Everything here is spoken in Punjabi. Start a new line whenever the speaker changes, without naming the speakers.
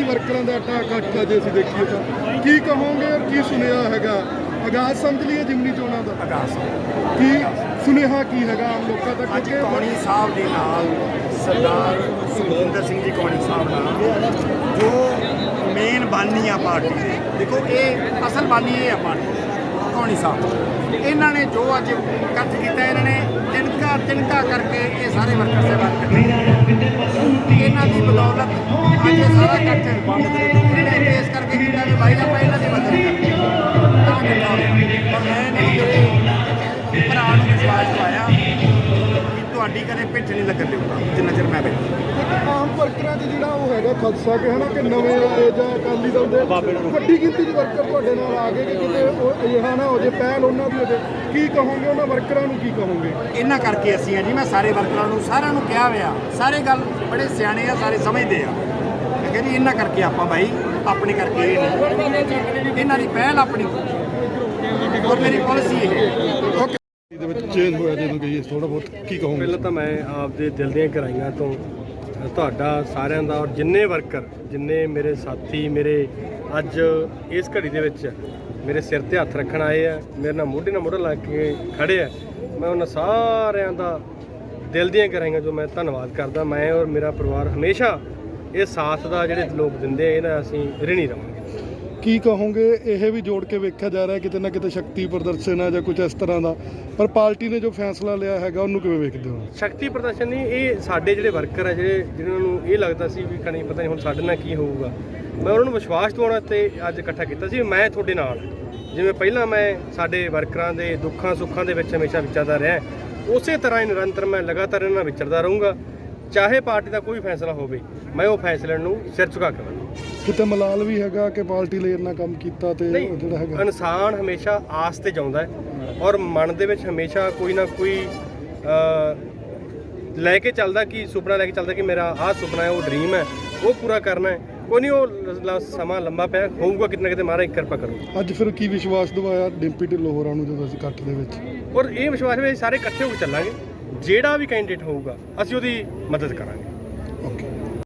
ਵਰਕਰਾਂ ਦਾ ਇਕੱਠ ਜੇ ਅਸੀਂ ਦੇਖੀਏ ਤਾਂ ਕੀ ਕਹੋਗੇ ਔਰ ਕੀ ਸੁਨੇਹਾ ਹੈਗਾ? ਆਗਾਜ਼ ਸਮਝ ਲਈਏ ਜਿਮਨੀ ਚੋਣਾਂ ਦਾ
ਆਗਾਜ਼
ਕੀ ਸੁਨੇਹਾ ਕੀ ਹੈਗਾ ਆਮ ਲੋਕਾਂ ਤੱਕ?
ਅੱਜ ਕੌਣੀ ਸਾਹਿਬ ਦੇ ਨਾਲ ਸਰਦਾਰ ਸੁਖਜਿੰਦਰ ਸਿੰਘ ਜੀ ਕੌਣੀ ਸਾਹਿਬ ਨਾਲ ਜੋ ਮੇਨ ਬਾਨੀ ਆ ਪਾਰਟੀ ਦੇ, ਦੇਖੋ ਇਹ ਅਸਲ ਬਾਨੀ ਇਹ ਆ ਪਾਰਟੀ ਕੌਣੀ ਸਾਹਿਬ, ਇਹਨਾਂ ਨੇ ਜੋ ਅੱਜ ਇਕੱਠ ਕੀਤਾ, ਇਹਨਾਂ ਨੇ ਤਿਣਕਾ ਕਰਕੇ ਇਹ ਸਾਰੇ ਵਰਕਰ ਸੇਵਾ ਕਰਦੇ, ਇਹਨਾਂ ਦੀ ਬਦੌਲਤ ਅੱਜ ਇਹ ਸਾਰਾ ਇਕੱਠ ਬੰਦ ਕਰੇ ਨੇ ਇਸ ਕਰਕੇ ਕੀਤਾ ਕਿ ਭਾਈ ਆਪਾਂ ਇਹਨਾਂ ਦੀ ਮਦਦ ਕਰੀਏ ਤਾਂ ਕਿੱਦਾਂ ਹੋਇਆ। ਪਰ ਮੈਂ ਨਹੀਂ ਭਰਾ ਨੂੰ ਵਿਸ਼ਵਾਸ ਦਵਾਇਆ ਕਿ ਤੁਹਾਡੀ ਕਦੇ ਪਿੱਠ ਨਹੀਂ ਲੱਗਣ ਦੇਊਗਾ ਜਿੰਨਾ ਚਿਰ ਮੈਂ ਬੈਠਾ।
ਆਮ ਵਰਕਰਾਂ 'ਚ ਜਿਹੜਾ ਉਹ ਹੈਗਾ ਖਦਸ਼ਾ ਕਿ ਹਨਾ ਕਿ ਨਵੇਂ ਆਏ ਜਾਂ ਅਕਾਲੀ ਦਲ ਦੇ ਵੱਡੀ ਗਿਣਤੀ 'ਚ ਵਰਕਰ ਤੁਹਾਡੇ ਨਾਲ ਆ ਗਏ ਕਿ ਕਿਤੇ ਉਹ ਅਜਿਹਾ ਨਾ ਹੋ ਜੇ ਪਹਿਲ ਉਹਨਾਂ ਦੀ ਹੋ ਜੇ, ਕੀ ਕਹੋਗੇ ਉਹਨਾਂ ਵਰਕਰਾਂ ਨੂੰ, ਕੀ ਕਹੋਗੇ?
ਇਹਨਾਂ ਕਰਕੇ ਅਸੀਂ ਆ ਜੀ, ਮੈਂ ਸਾਰੇ ਵਰਕਰਾਂ ਨੂੰ ਸਾਰਿਆਂ ਨੂੰ ਕਿਹਾ ਹੋਇਆ, ਸਾਰੇ ਗੱਲ ਬੜੇ ਸਿਆਣੇ ਆ, ਸਾਰੇ ਸਮਝਦੇ ਆ। ਠੀਕ ਹੈ ਜੀ, ਇਹਨਾਂ ਕਰਕੇ ਆਪਾਂ ਭਾਈ ਆਪਣੇ ਕਰਕੇ ਇਹ ਨਹੀਂ, ਇਹਨਾਂ ਦੀ ਪਹਿਲ ਆਪਣੀ ਔਰ ਮੇਰੀ ਪਾਲਿਸੀ ਇਹ ਹੈ।
ਦੇ ਵਿੱਚ ਚੇਂਜ ਹੋਇਆ ਜਦੋਂ ਗਈ ਥੋੜਾ ਬਹੁਤ ਕੀ ਕਹੋਗੇ?
ਪਹਿਲਾਂ ਤਾਂ ਮੈਂ ਆਪਦੇ ਦਿਲ ਦੀਆਂ ਗਹਿਰਾਈਆਂ ਤੋਂ ਤੁਹਾਡਾ ਸਾਰਿਆਂ ਦਾ ਔਰ ਜਿੰਨੇ ਵਰਕਰ, ਜਿੰਨੇ ਮੇਰੇ ਸਾਥੀ, ਮੇਰੇ ਅੱਜ ਇਸ ਘੜੀ ਦੇ ਵਿੱਚ ਮੇਰੇ ਸਿਰ ਤੇ ਹੱਥ ਰੱਖਣ ਆਏ ਆ, ਮੇਰੇ ਨਾਲ ਮੋਢਾ ਲਾ ਕੇ ਖੜੇ ਆ, ਮੈਂ ਉਹਨਾਂ ਸਾਰਿਆਂ ਦਾ ਦਿਲ ਦੀਆਂ ਗਹਿਰਾਈਆਂ ਜੋ ਮੈਂ ਧੰਨਵਾਦ ਕਰਦਾ। ਮੈਂ ਔਰ ਮੇਰਾ ਪਰਿਵਾਰ ਹਮੇਸ਼ਾ ਇਹ ਸਾਥ ਦਾ ਜਿਹੜੇ ਲੋਕ ਦਿੰਦੇ ਆ ਇਹਨਾਂ ਅਸੀਂ ਰਿਣੀ ਰਹਾਂਗੇ।
ਕੀ ਕਹੋਗੇ? ਇਹ ਵੀ ਜੋੜ ਕੇ ਵੇਖਿਆ ਜਾ ਰਿਹਾ ਕਿਤੇ ਨਾ ਕਿਤੇ ਸ਼ਕਤੀ ਪ੍ਰਦਰਸ਼ਨ ਹੈ ਜਾਂ ਕੁਝ ਇਸ ਤਰ੍ਹਾਂ ਦਾ, ਪਰ ਪਾਰਟੀ ਨੇ ਜੋ ਫੈਸਲਾ ਲਿਆ ਹੈਗਾ ਉਹਨੂੰ ਕਿਵੇਂ ਵੇਖਦੇ ਹੋ?
ਸ਼ਕਤੀ ਪ੍ਰਦਰਸ਼ਨ ਨਹੀਂ, ਇਹ ਸਾਡੇ ਜਿਹੜੇ ਵਰਕਰ ਆ ਜਿਹਨਾਂ ਨੂੰ ਇਹ ਲੱਗਦਾ ਸੀ ਵੀ ਕਣੀ ਪਤਾ ਨਹੀਂ ਹੁਣ ਸਾਡੇ ਨਾਲ ਕੀ ਹੋਊਗਾ, ਮੈਂ ਉਹਨਾਂ ਨੂੰ ਵਿਸ਼ਵਾਸ ਦਿਵਾਉਣ ਤੇ ਅੱਜ ਇਕੱਠਾ ਕੀਤਾ ਸੀ। ਮੈਂ ਤੁਹਾਡੇ ਨਾਲ, ਜਿਵੇਂ ਪਹਿਲਾਂ ਮੈਂ ਸਾਡੇ ਵਰਕਰਾਂ ਦੇ ਦੁੱਖਾਂ ਸੁੱਖਾਂ ਦੇ ਵਿੱਚ ਹਮੇਸ਼ਾ ਵਿਚਰਦਾ ਰਿਹਾ, ਉਸੇ ਤਰ੍ਹਾਂ ਹੀ ਨਿਰੰਤਰ ਮੈਂ ਲਗਾਤਾਰ ਇਹਨਾਂ ਨਾਲ ਵਿਚਰਦਾ ਰਹੂੰਗਾ। ਚਾਹੇ ਪਾਰਟੀ ਦਾ ਕੋਈ ਫੈਸਲਾ ਹੋਵੇ, ਮੈਂ ਉਹ ਫੈਸਲੇ ਨੂੰ ਸਿਰ ਝੁਕਾ ਕੇ ਲਵਾਂਗਾ।
ਕਿਤੇ ਮਲਾਲ ਵੀ ਹੈਗਾ ਕਿ ਪਾਰਟੀ ਲਈ ਇੰਨਾ ਕੰਮ ਕੀਤਾ ਤੇ ਜਿਹੜਾ ਹੈਗਾ,
ਇਨਸਾਨ ਹਮੇਸ਼ਾ ਆਸ ਤੇ ਜਾਉਂਦਾ ਹੈ ਔਰ ਮਨ ਦੇ ਵਿੱਚ ਹਮੇਸ਼ਾ ਕੋਈ ਨਾ ਕੋਈ ਲੈ ਕੇ ਚੱਲਦਾ, ਕਿ ਸੁਪਨਾ ਲੈ ਕੇ ਚੱਲਦਾ ਕਿ ਮੇਰਾ ਆਹ ਸੁਪਨਾ ਹੈ, ਉਹ ਡ੍ਰੀਮ ਹੈ, ਉਹ ਪੂਰਾ ਕਰਨਾ ਹੈ। ਕੋਈ ਨਹੀਂ, ਉਹ ਸਮਾਂ ਲੰਬਾ ਪਿਆ ਹੋਊਗਾ, ਕਿਤੇ ਨਾ ਕਿਤੇ ਮਹਾਰਾਜ ਕਿਰਪਾ ਕਰੂਗਾ।
ਅੱਜ ਫਿਰ ਕੀ ਵਿਸ਼ਵਾਸ ਦਿਵਾਇਆ ਡਿੰਪੀ ਢਿੱਲੋਂ ਹੋਰਾਂ ਨੂੰ ਜਦੋਂ ਅਸੀਂ ਇਕੱਠ ਦੇ ਵਿੱਚ?
ਔਰ ਇਹ ਵਿਸ਼ਵਾਸ ਵੀ ਸਾਰੇ ਇਕੱਠੇ ਹੋ ਕੇ ਚੱਲਾਂਗੇ, ਜਿਹੜਾ ਵੀ ਕੈਂਡੀਡੇਟ ਹੋਊਗਾ ਅਸੀਂ ਉਹਦੀ ਮਦਦ ਕਰਾਂਗੇ।
ਓਕੇ।